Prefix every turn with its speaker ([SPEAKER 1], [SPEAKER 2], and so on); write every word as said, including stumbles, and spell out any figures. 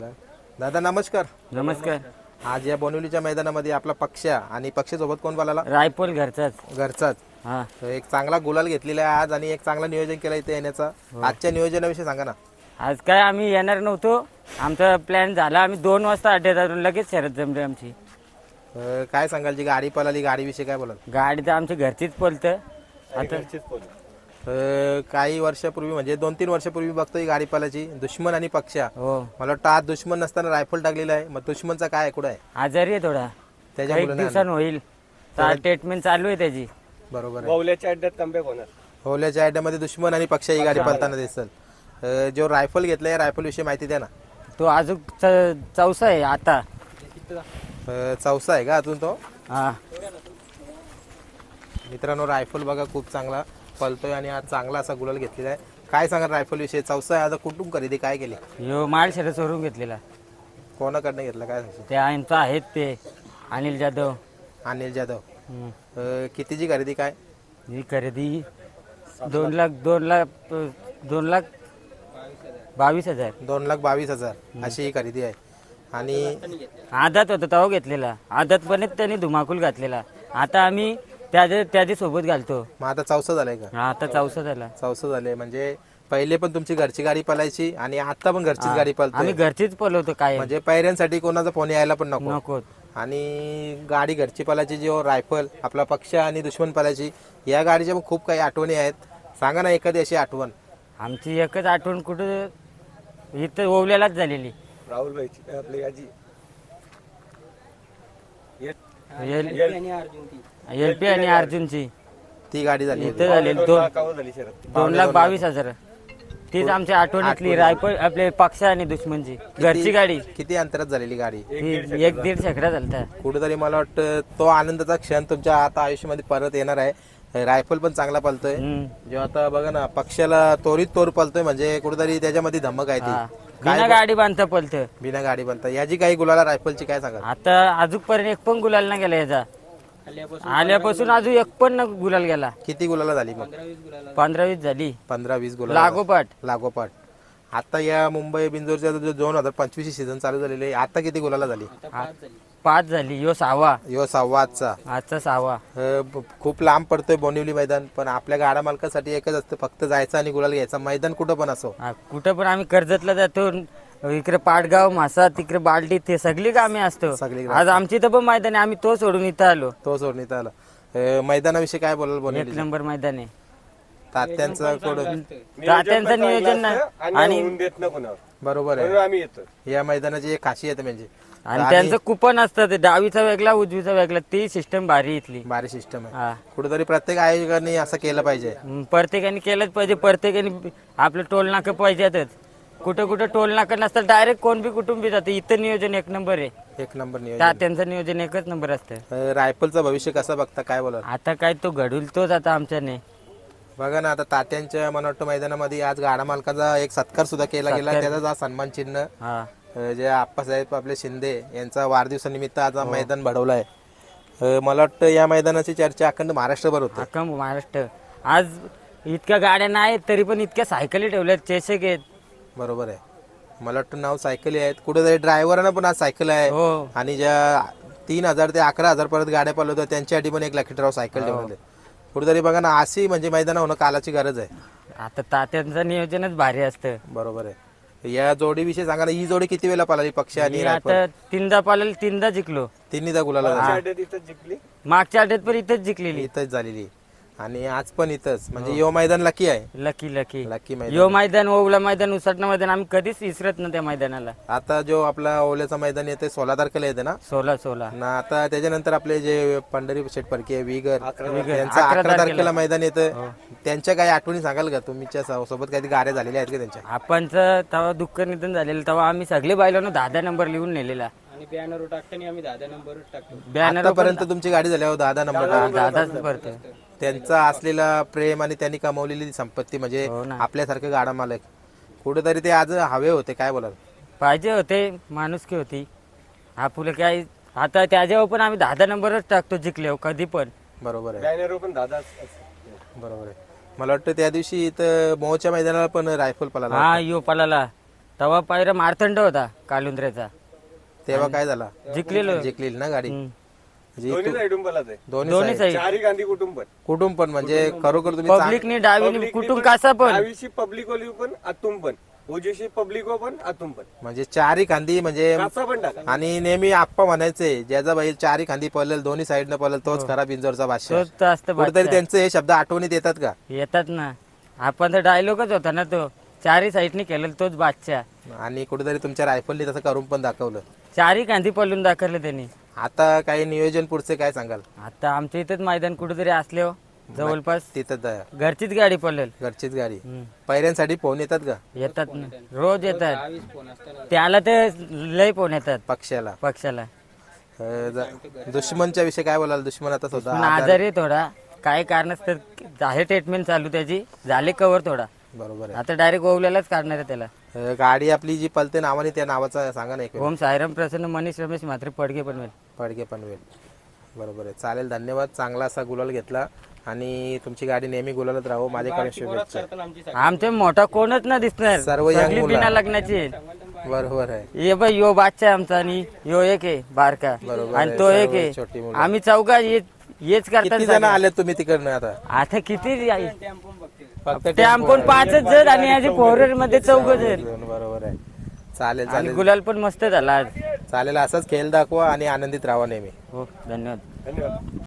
[SPEAKER 1] दादा नमस्कार.
[SPEAKER 2] नमस्कार.
[SPEAKER 1] आज या बोनिवलीच्या मैदानामध्ये आपला पक्षा आणि पक्षासोबत कोण बोलाला?
[SPEAKER 2] रायफल घरचाच.
[SPEAKER 1] घरचाच.
[SPEAKER 2] हा
[SPEAKER 1] तर एक चांगला गुलाल घेतलेला आहे आज आणि एक चांगला नियोजन केलं इथे येण्याचा. आजच्या नियोजनाविषयी सांगा ना.
[SPEAKER 2] आज काय आम्ही येणार नव्हतो, आमचा प्लॅन झाला. आम्ही दोन वाजता अड्ड्यात आलो, लगेच शरद जमली आमची.
[SPEAKER 1] अं, काय सांगाल जी गाडी पळाली गाडीविषयी काय बोलाल?
[SPEAKER 2] गाडी तर आमची घरचीच पळतं. आता
[SPEAKER 1] अं, काही वर्षापूर्वी म्हणजे दोन तीन वर्षापूर्वी बघतो ही गाडी पळायची दुश्मन आणि पक्षा.
[SPEAKER 2] हो
[SPEAKER 1] मला वाटतं आज दुश्मन नसताना रायफल टाकलेला आहे. मग दुश्मनचा काय कुठं आहे?
[SPEAKER 2] आजारी आहे थोडा,
[SPEAKER 1] त्याच्या
[SPEAKER 2] एक
[SPEAKER 1] मुलाने
[SPEAKER 2] दिवसानं होईल. ट्रीटमेंट चालू आहे त्याची.
[SPEAKER 1] बरोबर आहे.
[SPEAKER 3] बाहुल्याच्या अड्ड्यात कमबॅक होणार.
[SPEAKER 1] होल्याच्या आयड्यामध्ये दुश्मन आणि पक्षा ही गाडी पळताना दिसल. अं, जो रायफल घेतलाय रायफल विषयी माहिती द्या ना.
[SPEAKER 2] तो अजून च- चौसा आहे आता.
[SPEAKER 1] अं, चौसा आहे का अजून तो?
[SPEAKER 2] हा
[SPEAKER 1] मित्रांनो रायफल बघा खूप चांगला पळतोय आणि आज चांगला असा गुलाल घेतलेला आहे. काय सांगा रायफल विषयी? चौसा आहे. आता कुठून खरेदी काय केली?
[SPEAKER 2] यो माळ शरद सोडून घेतलेला.
[SPEAKER 1] कोणाकडनं घेतला काय सांगशील?
[SPEAKER 2] ते आमचं आहेत ते अनिल जाधव.
[SPEAKER 1] अनिल जाधव.
[SPEAKER 2] हम्म.
[SPEAKER 1] अं, कितीची खरेदी काय?
[SPEAKER 2] ही खरेदी दोन लाख दोन लाख दोन लाख बावीस हजार.
[SPEAKER 1] दोन लाख बावीस हजार अशी ही खरेदी आहे. आणि
[SPEAKER 2] आदात होता तेव्हा घेतलेला. आदातपणेच त्यांनी धुमाकूल घातलेला. आता आम्ही त्याच्या त्याच्या सोबत घालतो.
[SPEAKER 1] मग आता चौसा झालाय का?
[SPEAKER 2] हा, आता चौसा झाला.
[SPEAKER 1] चौसा झाले म्हणजे पहिले पण तुमची घरची गाडी पळायची आणि आता पण घरचीच गाडी
[SPEAKER 2] आम्ही
[SPEAKER 1] पळतोय.
[SPEAKER 2] घरचीच पळवतो काय
[SPEAKER 1] म्हणजे पैऱ्यांसाठी कोणाचा फोन यायला पण नको.
[SPEAKER 2] नको.
[SPEAKER 1] आणि गाडी घरची पळायची जो रायफल आपला पक्ष आणि दुश्मन पळायची या गाडीच्या पण खूप काही आठवणी आहेत. सांगा ना एखादी अशी आठवण.
[SPEAKER 2] आमची एकच आठवण कुठं इथं ओवल्यालाच झालेली.
[SPEAKER 3] राहुल भाई आपली आजी
[SPEAKER 2] एल पी आणि अर्जुनची
[SPEAKER 1] ती गाडी झाली होती.
[SPEAKER 2] इथं झालेली दोन
[SPEAKER 3] कावर झाली शरद.
[SPEAKER 2] दोन लाख बावीस हजार. तीच आमच्या आठवणीतली रायफल आपले पक्ष आणि दुश्मनची घरची गाडी.
[SPEAKER 1] किती अंतरात झालेली गाडी?
[SPEAKER 2] ही एक दीड शेकडा झालता.
[SPEAKER 1] कुठेतरी मला वाटतं तो आनंदाचा क्षण तुमच्या आता आयुष्यामध्ये परत येणार आहे. रायफल पण चांगला पळतोय.
[SPEAKER 2] हम्म.
[SPEAKER 1] जेव्हा आता बघा ना पक्षाला तोरीत तोर पळतोय म्हणजे कुठेतरी त्याच्यामध्ये धमक आहे
[SPEAKER 2] हा.
[SPEAKER 1] ती.
[SPEAKER 2] बिना गाडी बांधता पळतं.
[SPEAKER 1] बिना गाडी बनता याची काही गुलाला रायफलची काय सांगा?
[SPEAKER 2] आता अजूनपर्यंत एक पण गुलाल नाही गेला याचा. आल्यापासून अजून एक पण न गुलाल गेला.
[SPEAKER 1] किती गुलाला झाली मग?
[SPEAKER 2] पंधरा वीस झाली
[SPEAKER 1] पंधरा वीस गुलाल
[SPEAKER 2] लागोपाठ.
[SPEAKER 1] लागोपाठ. आता या मुंबई बिंजोरच्या जो दोन हजार पंचवीस सीझन चालू झालेले आहे आता किती गुलाला झाली?
[SPEAKER 2] पाच झाली. यो सहावा.
[SPEAKER 1] यो सहावा आजचा.
[SPEAKER 2] आजचा सहावा.
[SPEAKER 1] अ, ब- खूप लांब पडतोय बोनिवली मैदान पण आपल्या गाडा मालकासाठी एकच असतं फक्त जायचं आणि गुलाल घ्यायचा. मैदान कुठं पण असो.
[SPEAKER 2] हा, कुठं पण आम्ही कर्जतला जातो. इकडे पाटगाव मासा तिकडे बालटी ते सगळी कामे असतो.
[SPEAKER 1] सगळी
[SPEAKER 2] आज आमची इथं पण मैदान आहे. आम्ही तो सोडून इथं आलो.
[SPEAKER 1] तो सोडण्यात आला. अ, मैदानाविषयी काय बोलाल
[SPEAKER 2] एक
[SPEAKER 1] बोनिवली?
[SPEAKER 2] नंबर मैदान आहे.
[SPEAKER 1] तात्यांचं कोण?
[SPEAKER 2] तात्यांचं नियोजन नाही.
[SPEAKER 3] आणि होऊन देत ना कोणावर.
[SPEAKER 1] बरोबर
[SPEAKER 3] म्हणून
[SPEAKER 1] आहे.
[SPEAKER 3] आम्ही येतो.
[SPEAKER 1] या मैदानाची एक खासियत आहे म्हणजे
[SPEAKER 2] आणि त्यांचं कुपन असतं ते डावीचा वेगळा उजवीचा वेगळा. ती सिस्टम भारी इथली.
[SPEAKER 1] भारी सिस्टम आहे.
[SPEAKER 2] हा.
[SPEAKER 1] कुठेतरी प्रत्येक आयोजकांनी असं केलं पाहिजे.
[SPEAKER 2] हम्म, प्रत्येकाने केलंच पाहिजे. प्रत्येकाने आपलं टोल नाकं पाहिजेतच. कुठं कुठं टोल नाकं नसतं डायरेक्ट कोण बी कुटुंबी जातं. इथं नियोजन एक नंबर आहे.
[SPEAKER 1] एक नंबर नियोजन.
[SPEAKER 2] तात्यांचं नियोजन एकच नंबर असतं.
[SPEAKER 1] अ, रायफलचं भविष्य कसं बघता काय बोलाल?
[SPEAKER 2] आता काय तो घडूल तोच आता आमच्याने.
[SPEAKER 1] बघा ना आता तात्यांच्या मला वाटतं मैदानामध्ये आज गाडा मालकाचा एक सत्कार सुद्धा केला गेला. त्याचा हा सन्मान चिन्ह
[SPEAKER 2] हा.
[SPEAKER 1] अ, जे आप्पासाहेब आपले शिंदे यांचा वाढदिवसानिमित्त आज
[SPEAKER 2] हो.
[SPEAKER 1] हा मैदान भरवलं आहे. अ, मला वाटतं या मैदानाची चर्चा अखंड महाराष्ट्रभर होते.
[SPEAKER 2] अख्खा महाराष्ट्र. आज इतक्या गाड्या नाहीत तरी पण इतक्या सायकली ठेवल्यात. चेसक आहेत.
[SPEAKER 1] बरोबर आहे. मला वाटतं नाव सायकली आहेत. कुठेतरी ड्रायव्हरांना पण आज सायकल आहे.
[SPEAKER 2] हो.
[SPEAKER 1] आणि ज्या तीन हजार ते अकरा हजार पर्यंत गाड्या पळवतात त्यांच्यासाठी पण एक लकी ड्रॉ
[SPEAKER 2] हो.
[SPEAKER 1] सायकल ठेवले. कुठेतरी बघा ना अशी म्हणजे मैदान होणं कालाची गरज आहे.
[SPEAKER 2] आता तात्यांचं नियोजनच भारी असतं.
[SPEAKER 1] बरोबर आहे. या जोडीविषयी सांगा ना. ही जोडी किती वेळा पळाली पक्ष आणि
[SPEAKER 2] मी
[SPEAKER 1] रायफल?
[SPEAKER 2] आता तीनदा पालेल तीनदा जिंकलो.
[SPEAKER 1] तिन्हीदा गुलाला
[SPEAKER 3] आमच्या अड्ड्यात इथंच जिंकली.
[SPEAKER 2] मागच्या आठवड्यात पण इथंच जिंकलेली.
[SPEAKER 1] इथंच झालेली आणि आज पण इथंच म्हणजे यो मैदान लकी आहे.
[SPEAKER 2] लकी लकी
[SPEAKER 1] लकी मैदान.
[SPEAKER 2] यो मैदान ओवला मैदान उसटणं मैदान आम्ही कधीच विसरत ना त्या मैदानाला.
[SPEAKER 1] आता जो आपला ओल्याचं मैदान येते सोळा तारखेला येते ना.
[SPEAKER 2] सोला सोला
[SPEAKER 1] ना आता त्याच्यानंतर आपले जे पंढरी शेठ परके विगर
[SPEAKER 2] विगर.
[SPEAKER 1] यांचं
[SPEAKER 2] अकरा
[SPEAKER 1] अकरा तारखेला मैदान येतं. त्यांच्या काही आठवणी सांगाल का? तुमच्या सो- सोबत काही गाड्या झालेल्या आहेत का त्यांच्या?
[SPEAKER 2] आपणचं तेव्हा दुःख निधन झालेलं तेव्हा आम्ही सगळे बायलांना दहा दहा नंबर लिहून नेलेला.
[SPEAKER 3] आणि बॅनर टाकताना आम्ही दहा नंबरच टाकतो.
[SPEAKER 2] बॅनर
[SPEAKER 1] आतापर्यंत तुमची गाडी झाल्यावर दादा नंबर
[SPEAKER 2] दादाच करतो.
[SPEAKER 1] त्यांचा असलेला प्रेम आणि त्यांनी कमवलेली संपत्ती म्हणजे
[SPEAKER 2] हो ना.
[SPEAKER 1] आपल्यासारखं गाडा मालक कुठेतरी ते आज हवे होते. काय बोलाल?
[SPEAKER 2] पाहिजे होते. माणुसकी होती. आपलं काय आता त्याच्यावर पण आम्ही दहा दहा नंबरच टाकतो जिंकले कधी पण.
[SPEAKER 1] बरोबर आहे.
[SPEAKER 3] बॅनर पण दादा.
[SPEAKER 1] बरोबर आहे. मला वाटतं त्या दिवशी इथं मोहच्या मैदानाला पण रायफल पळाला.
[SPEAKER 2] हा यो पलाला तेव्हा पायरा मारतंड होता कालुंद्रेचा,
[SPEAKER 1] तेव्हा काय झाला
[SPEAKER 2] जिंकलेलो.
[SPEAKER 1] जिंकलेली ना गाडी
[SPEAKER 2] हम्म.
[SPEAKER 1] जी
[SPEAKER 3] दोन्ही
[SPEAKER 1] तू-
[SPEAKER 3] साईडून बोलायचं आहे.
[SPEAKER 1] दोन्ही
[SPEAKER 2] दोन्ही
[SPEAKER 1] side.
[SPEAKER 2] साईड
[SPEAKER 3] चारी गांधी कुटुंब पण
[SPEAKER 1] कुटुंब पण म्हणजे खरोखर तुम्ही चांग-
[SPEAKER 2] पब्लिकनी डावीनी
[SPEAKER 3] Public
[SPEAKER 2] कुठून
[SPEAKER 3] पण,
[SPEAKER 2] कसा पण
[SPEAKER 3] डावीशी पब्लिक ओली पण आतून पण उजवीशी पब्लिक पण आतून पण
[SPEAKER 1] म्हणजे चारी खांदी म्हणजे
[SPEAKER 3] कसा पण टाका.
[SPEAKER 1] आणि नेहमी आप्पा म्हणायचे ज्याचा बैल चारी खांदी पळेल दोन्ही साईडनं पळेल तोच खरा बिंजोरचा बादशाह
[SPEAKER 2] तोच तर असतं
[SPEAKER 1] कुठेतरी
[SPEAKER 2] बादशाह.
[SPEAKER 1] त्यांचे हे शब्द आठवणीत येतात का
[SPEAKER 2] येतात ना. आपण तर डायलॉगच होता ना तो, चारी साईडनी केलेला तोच बादशाह.
[SPEAKER 1] आणि कुठेतरी तुमच्या रायफलनी तसं करून पण दाखवलं
[SPEAKER 2] चारी कांदी पळून दाखवलं त्यांनी.
[SPEAKER 1] आता काही नियोजन पुढचे काय सांगाल
[SPEAKER 2] आता आमच्या इथेच मैदान कुठेतरी असले हो जवळपास,
[SPEAKER 1] तिथं द-
[SPEAKER 2] घरचीच गाडी पळेल.
[SPEAKER 1] घरचीच गाडी
[SPEAKER 2] हम्म.
[SPEAKER 1] पैऱ्यांसाठी फोन येतात का
[SPEAKER 2] येतात ना, रोज येतात. त्याला ते लय फोन येतात
[SPEAKER 1] पक्षाला
[SPEAKER 2] पक्षाला.
[SPEAKER 1] अं, ज- दुश्मनच्या विषयी काय बोलाल दुश्मन आता
[SPEAKER 2] पण
[SPEAKER 1] स्वतः
[SPEAKER 2] आजारी आहे थोडा, काय कारणास्तव आहे ट्रीटमेंट चालू त्याची, झाले कव्हर थोडा.
[SPEAKER 1] बरोबर आहे
[SPEAKER 2] आता डायरेक्ट ओवल्यालाच काढणार आहे त्याला.
[SPEAKER 1] अं, गाडी आपली जी पलते नावाने त्या नावाचा सांगा ना एक वेळ.
[SPEAKER 2] ओम सायराम प्रसन्न मनीष रमेश मात्र पडगे पनवेल.
[SPEAKER 1] पडगे पनवेल बरोबर आहे चालेल धन्यवाद चांगला असा गुलाल घेतला आणि तुमची गाडी नेहमी गुलालत राहो माझ्याकडे शुभेच्छा
[SPEAKER 2] आमचे मोठा कोणच ना दिसणार,
[SPEAKER 1] सर्व young
[SPEAKER 2] सगळी
[SPEAKER 1] मुलं.
[SPEAKER 2] बिना लग्नाची आहे.
[SPEAKER 1] बरोबर आहे
[SPEAKER 2] ये बाई यो बादशाह आहे आमचा आणि यो एक आहे बारका
[SPEAKER 1] बरोबर
[SPEAKER 2] आणि
[SPEAKER 1] आहे,
[SPEAKER 2] तो एक
[SPEAKER 1] सर्व छोटी
[SPEAKER 2] आहे.
[SPEAKER 1] मुलं.
[SPEAKER 2] आम्ही चौघा ये- हेच
[SPEAKER 1] किती जण
[SPEAKER 2] करतात.
[SPEAKER 1] आले तुम्ही तिकडनं आता
[SPEAKER 2] आता किती आहे?
[SPEAKER 1] फक्त
[SPEAKER 2] ते आमकोण पाचच जण आणि याचे फोर मध्ये चौघ जण.
[SPEAKER 1] बरोबर आहे चालेल
[SPEAKER 2] आणि
[SPEAKER 1] चालेल
[SPEAKER 2] गुलाल पण मस्त झाला आज.
[SPEAKER 1] चालेल असाच खेळ दाखवा आणि आनंदित राहा नेहमी
[SPEAKER 2] हो धन्यवाद.
[SPEAKER 3] धन्यवाद.